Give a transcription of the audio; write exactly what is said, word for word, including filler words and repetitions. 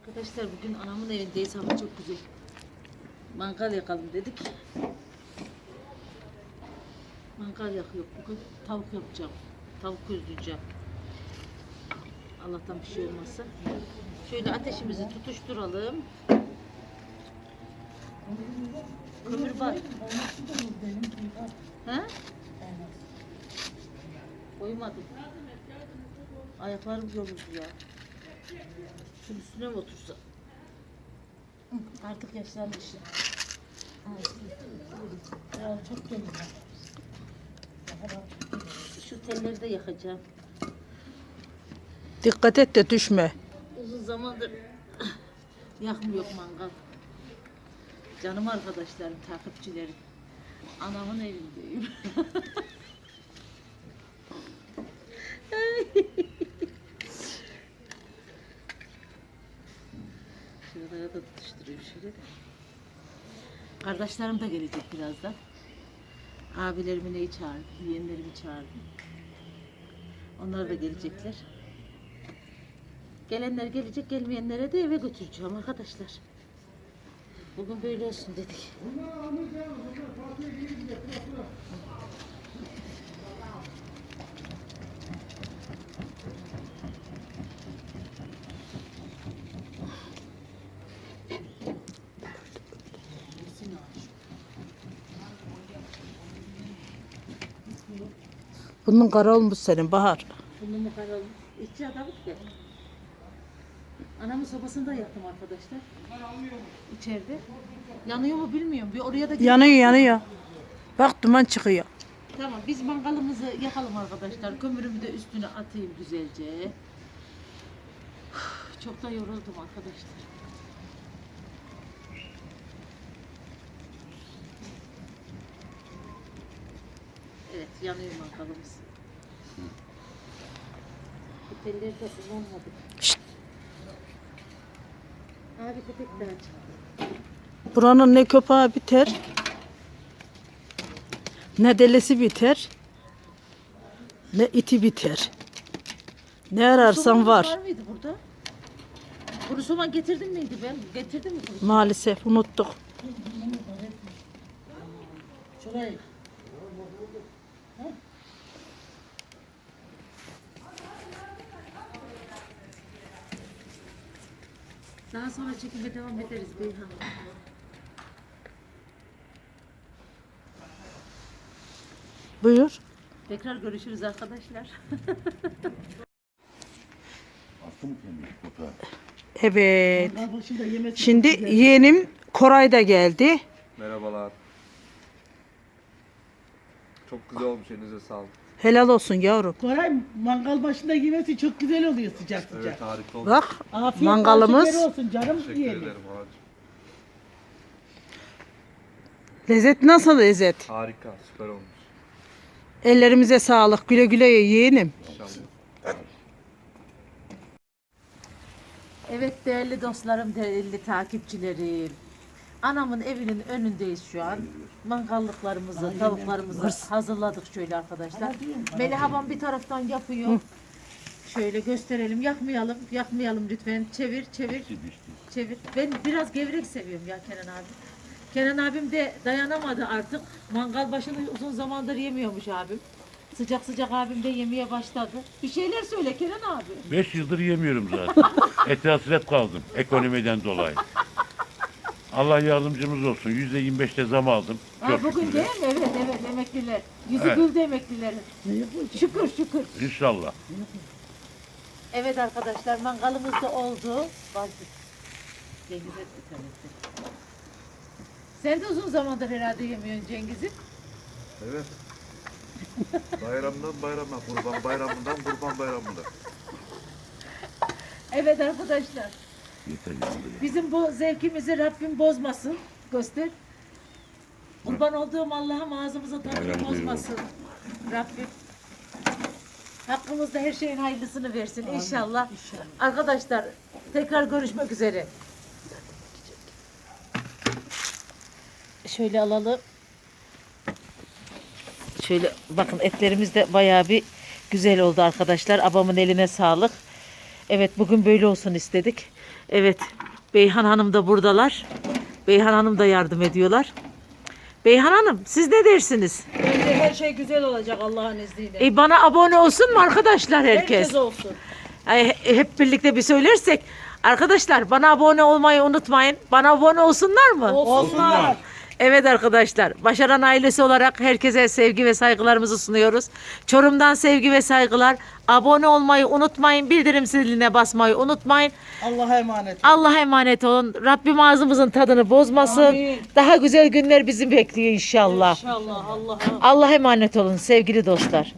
Arkadaşlar bugün anamın evindeyiz. Hava çok güzel. Mangal yakalım dedik. Mangal yakıyor bugün. Tavuk yapacağım. Tavuk közleyeceğim. Allah'tan bir şey olmazsa. Şöyle ateşimizi tutuşturalım. Kömür var. He? Koymadım. Ayaklarım yoruldu ya. Şunun üstüne mi otursa? Artık yaşlanmışım. Ya çok temiz. Şu telleri de yakacağım. Dikkat et de düşme. Uzun zamandır yakmıyor mangal. Canım arkadaşlarım, takipçilerim. Anamın evindeyim. Şuralara da tutuşturuyorum şöyle de. Kardeşlerim de gelecek birazdan. Abilerimi neyi çağırdım, yeğenlerimi çağırdım. Onlar da gelecekler. Gelenler gelecek, gelmeyenlere de eve götüreceğim arkadaşlar. Bugün böyle olsun dedik. Bunun kara olmuş senin Bahar. Bunu mu karalım? İçi adamı ki. Anamın sobasında yaktım arkadaşlar. İçeride. Yanıyor mu bilmiyorum. Bir oraya da gidip- Yanıyor yanıyor. Bak duman çıkıyor. Tamam biz mangalımızı yakalım arkadaşlar. Kömürümü de üstüne atayım güzelce. Çok da yoruldum arkadaşlar. Evet yanıyor mangalımız. Bu telleri de kullanmadık. Şşt. Abi köpek daha çıktı. Buranın ne köpeği biter, ne delesi biter, ne iti biter. Ne ararsan Soğanımız var. Var mıydı burada? Kuru soğan getirdin miydi ben? Getirdim mi kuru soğan? Maalesef unuttuk. Şurayı. Daha sonra çekime devam ederiz Beyhan. Buyur. Tekrar görüşürüz arkadaşlar. Attım kendimi köpeğe. Evet. Mangal başında yemesi Şimdi yeğenim Koray da geldi. Merhabalar. Çok güzel olmuş, elinize sağlık. Helal olsun yavrum. Koray mangal başında yemesi çok güzel oluyor sıcak sıcak. Evet, harika olmuş. Bak Afiyet mangalımız. bal şekeri olsun canım Teşekkür diyelim. ederim ağacım. Lezzet nasıl lezzet? Harika, süper olmuş. Ellerimize sağlık. Güle güle ye yeğenim. İnşallah. Evet değerli dostlarım, değerli takipçilerim. Anamın evinin önündeyiz şu an. Mangallıklarımızı, tavuklarımızı hazırladık şöyle arkadaşlar. Melih abam bir taraftan yapıyor. Şöyle gösterelim. Yakmayalım, yakmayalım lütfen. Çevir, çevir. Çevir. Ben biraz gevrek seviyorum ya Kenan abi. Kenan abim de dayanamadı artık. Mangal başını uzun zamandır yemiyormuş abim. Sıcak sıcak abim de yemeye başladı. Bir şeyler söyle Kenan abi. Beş yıldır yemiyorum zaten. Ete hasret kaldım ekonomiden dolayı. Allah yardımcımız olsun. Yüzde yirmi beşte zam aldım. Ha, Çok bugün şükür. değil mi? Evet evet emekliler. Yüzü Evet. güldü emeklilerin. Şükür şükür. İnşallah. Evet arkadaşlar mangalımız da oldu. Bazı Cengiz et bir tanesi. Sen de uzun zamandır herhalde yemiyorsun Cengiz'im. Evet. Bayramdan bayrama, kurban bayramından kurban bayramına. Evet arkadaşlar. Yeter yandı. Bizim bu zevkimizi Rabbim bozmasın. Göster. Kurban olduğum Allah'ım ağzımıza tadını Bayram bozmasın. Rabbim. Hakkımızda her şeyin hayırlısını versin inşallah. Arkadaşlar tekrar görüşmek üzere. Şöyle alalım. Şöyle bakın etlerimiz de bayağı bir güzel oldu arkadaşlar. Abamın eline sağlık. Evet bugün böyle olsun istedik. Evet. Beyhan Hanım da buradalar. Beyhan Hanım da yardım ediyorlar. Beyhan Hanım siz ne dersiniz? Bence her şey güzel olacak Allah'ın izniyle. E bana abone olsun mu arkadaşlar herkes? Herkes olsun. Ay, hep birlikte bir söylersek. Arkadaşlar bana abone olmayı unutmayın. Bana abone olsunlar mı? Olsunlar. Evet arkadaşlar, Başaran ailesi olarak herkese sevgi ve saygılarımızı sunuyoruz. Çorum'dan sevgi ve saygılar. Abone olmayı unutmayın, bildirim ziline basmayı unutmayın. Allah'a emanet. Allah'a emanet olun. Rabbim ağzımızın tadını bozmasın. Amin. Daha güzel günler bizi bekliyor inşallah. İnşallah Allah'a. Allah'a emanet olun sevgili dostlar.